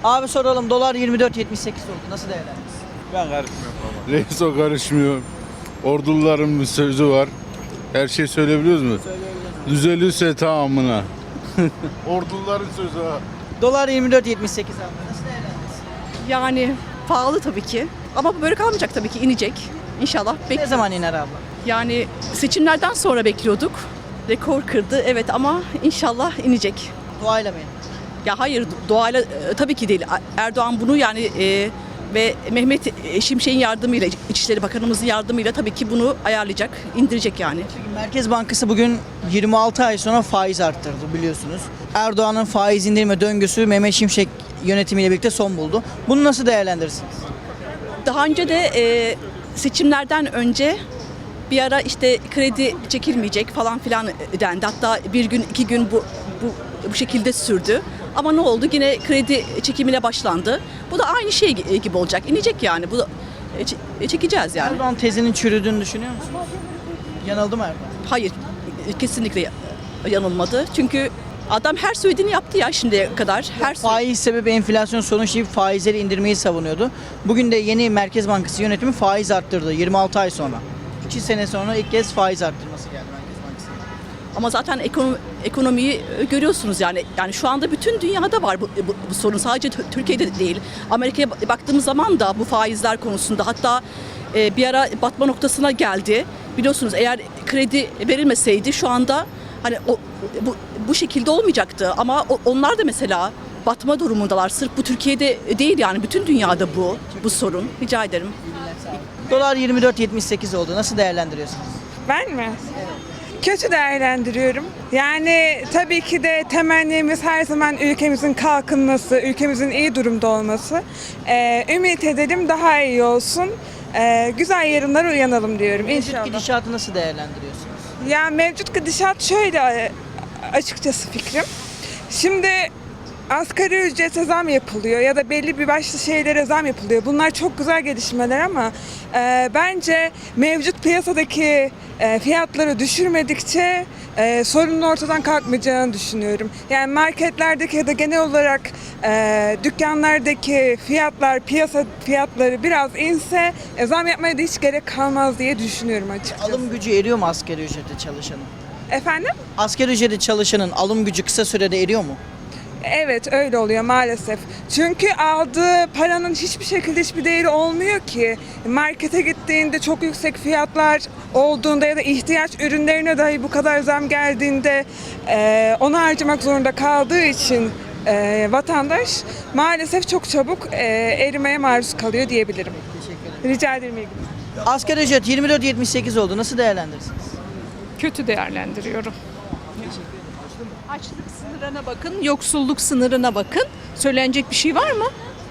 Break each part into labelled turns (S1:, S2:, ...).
S1: Abi soralım, dolar 24.78 oldu. Nasıl değerlendiriyorsun?
S2: Ben karışmıyorum baba.
S3: Reis o karışmıyor. Orduların bir sözü var. Her şey söyleyebiliyoruz mu? Düzelirse tamamına. Orduların sözü ha.
S1: Dolar 24.78 abi. Nasıl değerlendiriyorsun?
S4: Yani pahalı tabii ki. Ama böyle kalmayacak tabii ki, inecek. İnşallah.
S1: Ne zaman iner abla?
S4: Yani seçimlerden sonra bekliyorduk. Rekor kırdı evet ama inşallah inecek.
S1: Duayla mı iner?
S4: Ya hayır, doğayla tabii ki değil. Erdoğan bunu yani ve Mehmet Şimşek'in yardımıyla, İçişleri Bakanımızın yardımıyla tabii ki bunu ayarlayacak, indirecek yani.
S1: Merkez Bankası bugün 26 ay sonra faiz arttırdı biliyorsunuz. Erdoğan'ın faiz indirme döngüsü Mehmet Şimşek yönetimiyle birlikte son buldu. Bunu nasıl değerlendirirsiniz?
S4: Daha önce de seçimlerden önce bir ara işte kredi çekilmeyecek falan filan dendi. Hatta bir gün, 2 gün bu şekilde sürdü. Ama ne oldu? Yine kredi çekimine başlandı. Bu da aynı şey gibi olacak. İnecek yani. Bu da çekeceğiz yani.
S1: Erdoğan tezinin çürüdüğünü düşünüyor musunuz? Yanıldı mı Erdoğan?
S4: Hayır, kesinlikle yanılmadı. Çünkü adam her söylediğini yaptı ya şimdiye kadar.
S1: Faiz sebebi enflasyon sonuç deyip faizleri indirmeyi savunuyordu. Bugün de yeni Merkez Bankası yönetimi faiz arttırdı 26 ay sonra. 2 sene sonra ilk kez faiz arttırması geldi Merkez Bankası'nın.
S4: Ama zaten ekonomiyi görüyorsunuz yani. Yani şu anda bütün dünyada var bu sorun. Sadece Türkiye'de değil. Amerika'ya baktığımız zaman da bu faizler konusunda hatta bir ara batma noktasına geldi. Biliyorsunuz eğer kredi verilmeseydi şu anda hani bu şekilde olmayacaktı. Ama onlar da mesela batma durumundalar. Sırf bu Türkiye'de değil yani bütün dünyada bu sorun. Rica ederim.
S1: Dolar 24.78 oldu. Nasıl değerlendiriyorsunuz?
S5: Ben mi? Kötü değerlendiriyorum. Yani tabii ki de temennimiz her zaman ülkemizin kalkınması, ülkemizin iyi durumda olması. Ümit edelim daha iyi olsun. Güzel yarınlara uyanalım diyorum
S1: Mevcut
S5: inşallah.
S1: gidişatı nasıl değerlendiriyorsunuz?
S5: Ya mevcut gidişat şöyle açıkçası fikrim. Şimdi asgari ücrete zam yapılıyor ya da belli bir başlı şeylere zam yapılıyor. Bunlar çok güzel gelişmeler ama bence mevcut piyasadaki fiyatları düşürmedikçe sorunun ortadan kalkmayacağını düşünüyorum. Yani marketlerdeki ya da genel olarak dükkanlardaki fiyatlar, piyasa fiyatları biraz inse zam yapmaya da hiç gerek kalmaz diye düşünüyorum açıkçası.
S1: Alım gücü eriyor mu asgari ücrete çalışanın?
S5: Efendim?
S1: Asgari ücrete çalışanın alım gücü kısa sürede eriyor mu?
S5: Evet öyle oluyor maalesef. Çünkü aldığı paranın hiçbir şekilde hiçbir değeri olmuyor ki. Markete gittiğinde çok yüksek fiyatlar olduğunda ya da ihtiyaç ürünlerine dahi bu kadar zam geldiğinde onu harcamak zorunda kaldığı için vatandaş maalesef çok çabuk erimeye maruz kalıyor diyebilirim.
S1: Teşekkür ederim.
S5: Rica ederim. İyi günler.
S1: Asgari ücret 24.78 oldu. Nasıl değerlendirirsiniz?
S6: Kötü değerlendiriyorum. Açlık sınırına bakın, yoksulluk sınırına bakın. Söylenecek bir şey var mı?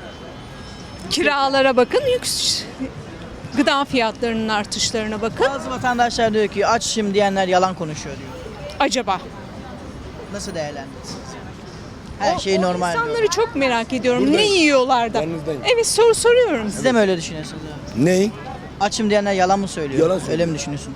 S6: Kiralara bakın, gıda fiyatlarının artışlarına bakın.
S1: Bazı vatandaşlar diyor ki açım diyenler yalan konuşuyor diyor.
S6: Acaba?
S1: Nasıl değerlendirirsiniz? Her şey normal diyor.
S6: İnsanları çok merak ediyorum. Ne yiyorlar da? Evet soruyorum.
S1: Siz de mi öyle düşünüyorsunuz?
S7: Ney?
S1: Açım diyenler yalan mı söylüyor?
S7: Yalan söylüyor.
S1: Öyle mi düşünüyorsunuz?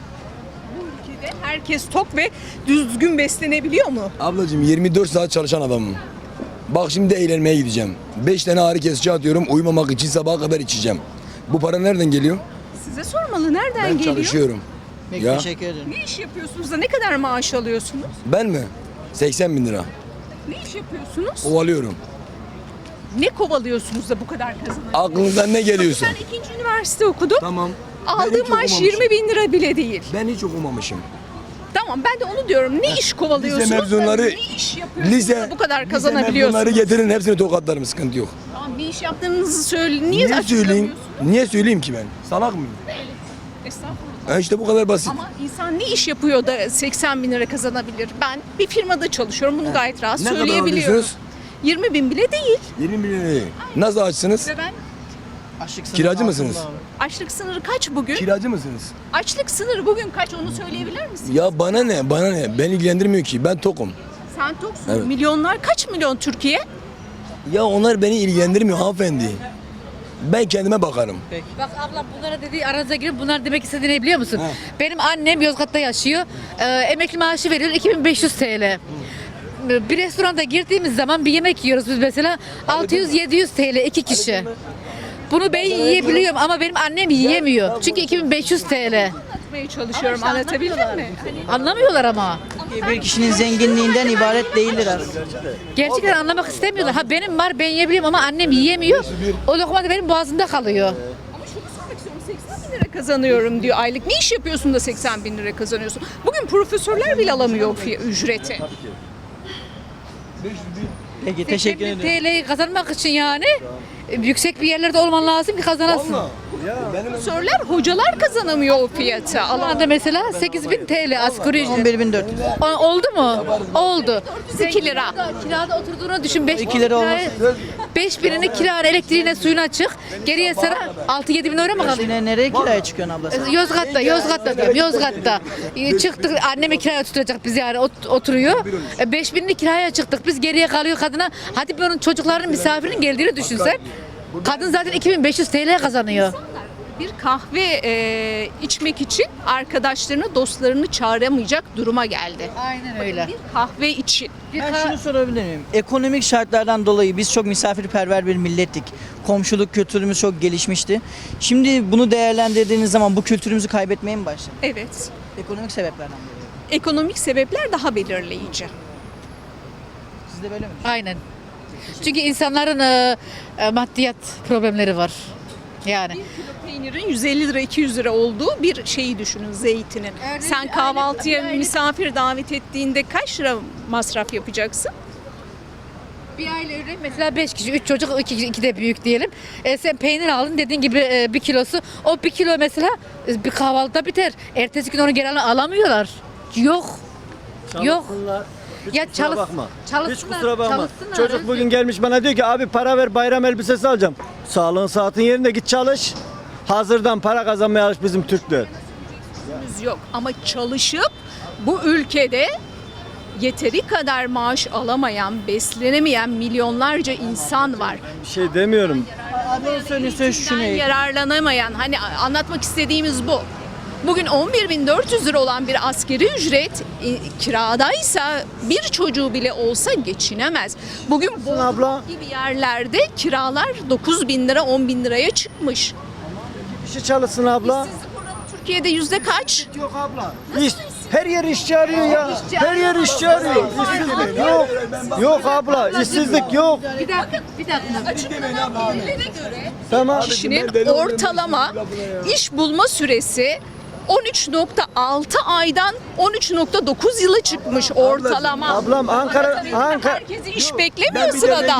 S6: Ülkede herkes tok ve düzgün beslenebiliyor mu?
S7: Ablacığım 24 saat çalışan adamım. Bak şimdi de eğlenmeye gideceğim. 5 tane ağrı kesici atıyorum. Uyumamak için sabaha kadar içeceğim. Bu para nereden geliyor?
S6: Size sormalı. Nereden
S7: Ben
S6: geliyor?
S7: çalışıyorum.
S1: Peki
S7: Ya.
S1: teşekkür ederim.
S6: Ne iş yapıyorsunuz da ne kadar maaş alıyorsunuz?
S7: Ben mi? 80 bin lira.
S6: Ne iş yapıyorsunuz?
S7: Ovalıyorum.
S6: Ne kovalıyorsunuz da bu kadar kazanıyorsunuz?
S7: Aklınızdan ne geliyorsa.
S6: Ben 2. üniversite okudum.
S7: Tamam. Ben hiç
S6: Aldığım maaş
S7: okumamışım.
S6: 20 bin lira bile değil.
S7: Ben hiç okumamışım.
S6: Tamam ben de onu diyorum. Ne iş kovalıyorsunuz?
S7: Lise mezunları,
S6: Ne iş yapıyorsunuz da bu kadar
S7: lise
S6: kazanabiliyorsunuz?
S7: mezunları getirin hepsini tokatlarım sıkıntı yok.
S6: Tamam bir iş yaptığınızı söyleyin. Niye
S7: Niye söyleyeyim?
S6: açıklamıyorsunuz?
S7: Niye söyleyeyim ki ben? Salak mıyım?
S6: Estağfurullah.
S7: İşte bu kadar basit.
S6: Ama insan ne iş yapıyor da 80 bin lira kazanabilir? Ben bir firmada çalışıyorum. Bunu gayet rahat
S7: Ne kadar
S6: söyleyebiliyorum.
S7: alıyorsunuz?
S6: 20 bin bile değil.
S7: 20 bin lira. Nasıl açsınız?
S6: Ve ben
S1: Açlık sınırı
S7: Kiracı
S1: altında
S7: mısınız?
S1: abi.
S6: açlık sınırı kaç bugün?
S7: Kiracı mısınız?
S6: Açlık sınırı bugün kaç onu söyleyebilir misin?
S7: Ya bana ne? Bana ne? Beni ilgilendirmiyor ki. Ben tokum.
S6: Sen toksun.
S7: Evet.
S6: Milyonlar kaç milyon Türkiye?
S7: Ya onlar beni ilgilendirmiyor hanımefendi. Ben kendime bakarım.
S8: Bak ablam bunlara dediği aranıza girip bunlar demek istediğini ne biliyor musun? Benim annem Yozgat'ta yaşıyor. Emekli maaşı veriyor 2500 TL. bir restoranda girdiğimiz zaman bir yemek yiyoruz biz mesela 600-700 TL 2 kişi. Bunu ben yiyebiliyorum ama benim annem yiyemiyor. Çünkü 2500 TL.
S6: Anlatmaya çalışıyorum. Anlatabildim mi?
S8: Anlamıyorlar ama.
S1: Bir kişinin zenginliğinden ibaret değildir aslında.
S8: Gerçekten anlamak istemiyorlar. Ha benim var ben yiyebiliyorum ama annem yiyemiyor. O lokma da benim boğazımda kalıyor.
S6: Ama şunu sormak istiyorum. 80 bin lira kazanıyorum diyor aylık. Ne iş yapıyorsun da 80 bin lira kazanıyorsun? Bugün profesörler bile alamıyor ücreti.
S1: Peki teşekkür
S8: 80.000
S1: ederim.
S8: TL'yi kazanmak için yani yüksek bir yerlerde olman lazım ki kazanasın.
S6: Profesörler, hocalar kazanamıyor o fiyatı.
S8: Şu anda mesela 8.000 TL asgari ücret.
S1: 11.400.
S8: Oldu mu? Oldu.
S6: 2 lira.
S8: Kirada oturduğunu düşün. 5
S1: 2 lira olmaz.
S8: 5.000'ini kira, elektriğine, suyuna çık. Geriye sana 6-7 bin euro mu kalıyor?
S1: Yine nereye kiraya çıkıyorsun abla sen?
S8: Yozgat'ta diyorum, Yozgat'ta. Çıktık, annemi kiraya tutacak biz yani oturuyor. 5.000'ini kiraya çıktık, biz geriye kalıyor kadına. Hadi bunun çocuklarının misafirinin geldiğini düşünsen. Kadın zaten 2500 TL kazanıyor.
S6: Bir kahve içmek için arkadaşlarını, dostlarını çağıramayacak duruma geldi.
S8: Aynen öyle.
S6: Bir kahve için.
S1: Ben şunu sorabilir miyim? Ekonomik şartlardan dolayı biz çok misafirperver bir millettik. Komşuluk kültürümüz çok gelişmişti. Şimdi bunu değerlendirdiğiniz zaman bu kültürümüzü kaybetmeye mi başladık?
S6: Evet.
S1: Ekonomik sebeplerden dolayı.
S6: Ekonomik sebepler daha belirleyici.
S1: Siz de böyle mi?
S8: Aynen. Çünkü insanların maddiyat problemleri var. Yani.
S6: Peynirin 150 lira 200 lira olduğu bir şeyi düşünün, zeytinin. Sen kahvaltıya misafir davet ettiğinde kaç lira masraf yapacaksın?
S8: Bir aile örneğin mesela 5 kişi, 3 çocuk, 2 de büyük diyelim. Sen peynir aldın dediğin gibi 1 kilosu. O 1 kilo mesela bir kahvaltıda biter. Ertesi gün onu geri alamıyorlar. Yok. Yok. Ya
S2: Kusura bakma. Hiç
S8: çalışsınlar.
S2: kusura bakma.
S8: Çalışsınlar.
S2: Çocuk bugün gelmiş bana diyor ki abi para ver bayram elbisesi alacağım. Sağlığın saatin yerinde git çalış. Hazırdan para kazanmaya alış bizim Türkler.
S6: Yok ama çalışıp bu ülkede yeteri kadar maaş alamayan, beslenemeyen milyonlarca insan var.
S2: Bir şey demiyorum.
S1: Abi söylüyorsa şunu.
S6: Yararlanamayan, hani anlatmak istediğimiz bu. Bugün 11.400 lira olan bir asgari ücret kiradaysa bir çocuğu bile olsa geçinemez. Bugün bu
S2: abla.
S6: gibi yerlerde kiralar 9.000 lira 10.000 liraya çıkmış.
S2: İşi çalışsın abla.
S6: Türkiye'de yüzde kaç?
S2: Yok abla. İş, her yer işçi arıyor ya. Her yer işçi arıyor. İşsizlik yok. Yok abla. İşsizlik yok.
S8: Bir dakika.
S2: Tamam.
S6: Kişinin ortalama iş bulma süresi 13.6 aydan 13.9 yıla çıkmış ortalama.
S2: Ablam Ankara
S6: Herkesi iş beklemiyor sırada.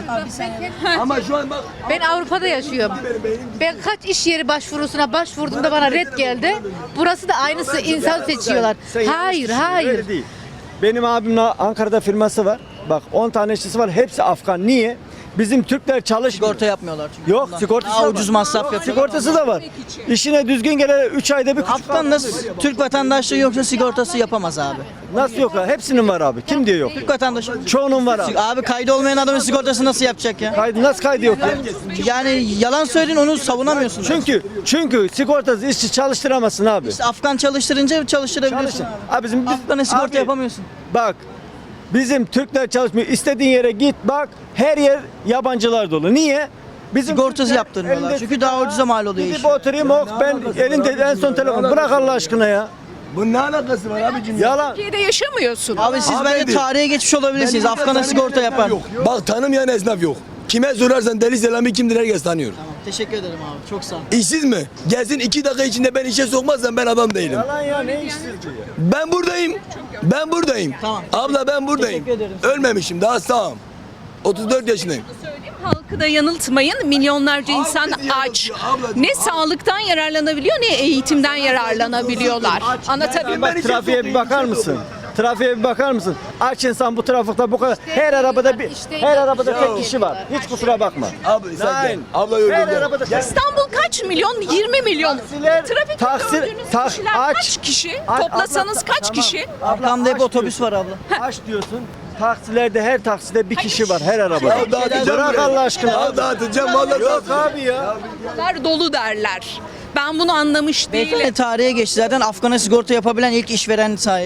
S7: Ama şu an bak
S8: Ben Avrupa'da yaşıyorum. Ben kaç iş yeri başvurusuna başvurduğumda bana red geldi. Burası da aynısı insan seçiyorlar.
S2: Sen yanlış
S8: Hayır,
S2: düşünüyorsun,
S8: hayır.
S2: öyle değil. Benim abimin Ankara'da firması var. Bak 10 tane işçisi var. Hepsi Afgan. Niye? Bizim Türkler çalışmıyor.
S1: Sigorta yapmıyorlar çünkü.
S2: Yok
S1: Ondan.
S2: sigortası
S1: Daha
S2: da
S1: ucuz
S2: var.
S1: masraf yapıyorlar.
S2: Sigortası da var. İşine düzgün gelen 3 ayda bir küçük
S1: Afgan nasıl Türk vatandaşlığı yoksa sigortası yapamaz abi.
S2: Nasıl yok ya? Hepsinin var abi. Kim diyor yok?
S1: Türk vatandaşı.
S2: Çoğunun var abi.
S1: Abi kaydı olmayan adamın sigortası nasıl yapacak ya?
S2: Nasıl kaydı yok ya?
S1: Yani yalan söyledin onu savunamıyorsun.
S2: Çünkü sigortası işçi çalıştıramazsın abi.
S1: İşte Afgan çalıştırınca çalıştırabiliyorsun
S2: Çalışın.
S1: abi.
S2: Abi bizim
S1: Afgan'a sigorta
S2: abi,
S1: yapamıyorsun.
S2: Bak bizim Türkler çalışmıyor. İstediğin yere git bak her yer yabancılar dolu. Niye? Bizim
S1: Sigortası
S2: Türkler
S1: yaptırmıyorlar.
S2: elinde
S1: Çünkü daha
S2: sigara,
S1: ucuza mal oluyor
S2: Gidip
S1: iş.
S2: oturayım ben elinde en son telefon. Bırak Allah aşkına ya.
S7: bunun ne alakası var abicim?
S2: Yalan.
S6: Türkiye'de yaşamıyorsun.
S1: Abi siz bence
S7: Hanımefendi.
S1: tarihe geçmiş olabilirsiniz.
S7: Ben
S1: Afgan'a
S7: tanımayan
S1: sigorta
S7: esnaf
S1: yapar.
S7: yok. Bak tanımayan esnaf yok. Kime sorarsan Deli Selami kimdir herkes tanıyor.
S1: Teşekkür ederim abi. Çok sağ ol.
S7: İşsiz mi? Gelsin 2 dakika içinde ben işe sokmazsam ben adam değilim.
S2: Yalan ya ne işsizliği?
S7: Ben buradayım. Ben buradayım.
S1: Tamam.
S7: Abla ben buradayım.
S1: Teşekkür ederim.
S7: Ölmemişim daha sağım. 34 yaşındayım.
S6: Söyleyeyim, halkı da yanıltmayın. Milyonlarca insan
S7: bizi
S6: aç.
S7: yanıltıyor abla.
S6: Ne sağlıktan yararlanabiliyor ne eğitimden yararlanabiliyorlar. Anlatabiliyor muyum?
S2: Bak trafiğe bir bakar mısın? Trafiğe bir bakar mısın? Aç insan bu trafikte bu kadar. Her arabada her arabada tek kişi var. Hiç kusura bakma.
S7: Abla sen gel.
S2: Nein.
S7: Abla
S2: Her
S7: öyle.
S2: arabada
S6: İstanbul kaç milyon? 20 milyon. Trafikte gördüğünüz kişiler kaç kişi? Toplasanız kaç kişi?
S1: Arkamda hep otobüs var abla.
S2: Aç diyorsun. Taksilerde her takside bir kişi var her arabada.
S7: Ya dağıtacağım
S2: Bırak
S7: burayı.
S2: Allah aşkına.
S7: Ya dağıtacağım vallahi
S2: Yok
S7: dağıtacağım.
S2: abi ya.
S6: Bunlar dolu derler. Ben bunu anlamış değilim.
S1: Beyefendi tarihe geçti zaten Afgan'a sigorta yapabilen ilk işveren sahibi.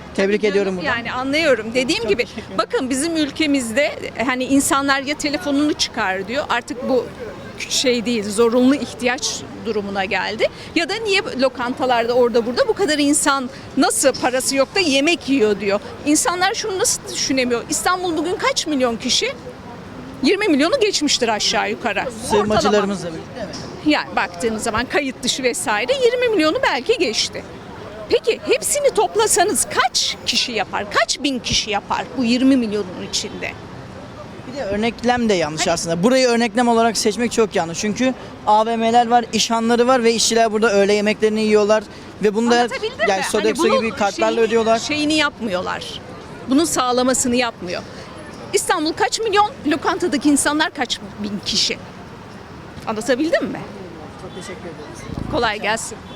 S1: Tebrik
S6: Tabii
S1: ediyorum
S6: canım,
S1: buradan.
S6: yani anlıyorum. Dediğim gibi bakın bizim ülkemizde hani insanlar ya telefonunu çıkar diyor. Artık bu şey değil, zorunlu ihtiyaç durumuna geldi. Ya da niye lokantalarda orada burada bu kadar insan nasıl parası yok da yemek yiyor diyor. İnsanlar şunu nasıl düşünemiyor? İstanbul bugün kaç milyon kişi? 20 milyonu geçmiştir aşağı yukarı.
S1: Sığınmacılarımızla birlikte mi?
S6: Yani baktığınız zaman kayıt dışı vesaire 20 milyonu belki geçti. Peki hepsini toplasanız kaç kişi yapar? Kaç bin kişi yapar bu 20 milyonun içinde?
S1: Bir de örneklem de yanlış aslında. Burayı örneklem olarak seçmek çok yanlış. Çünkü AVM'ler var, işhanları var ve işçiler burada öğle yemeklerini yiyorlar. Ve bunu da
S6: Anlatabildim
S1: yani
S6: mi?
S1: Sodexo
S6: Hani bunun
S1: gibi kartlarla ödüyorlar.
S6: Şeyini yapmıyorlar. Bunun sağlamasını yapmıyor. İstanbul kaç milyon? Lokantadaki insanlar kaç bin kişi? Anlatabildim mi?
S1: Çok teşekkür ederiz.
S6: Kolay gelsin.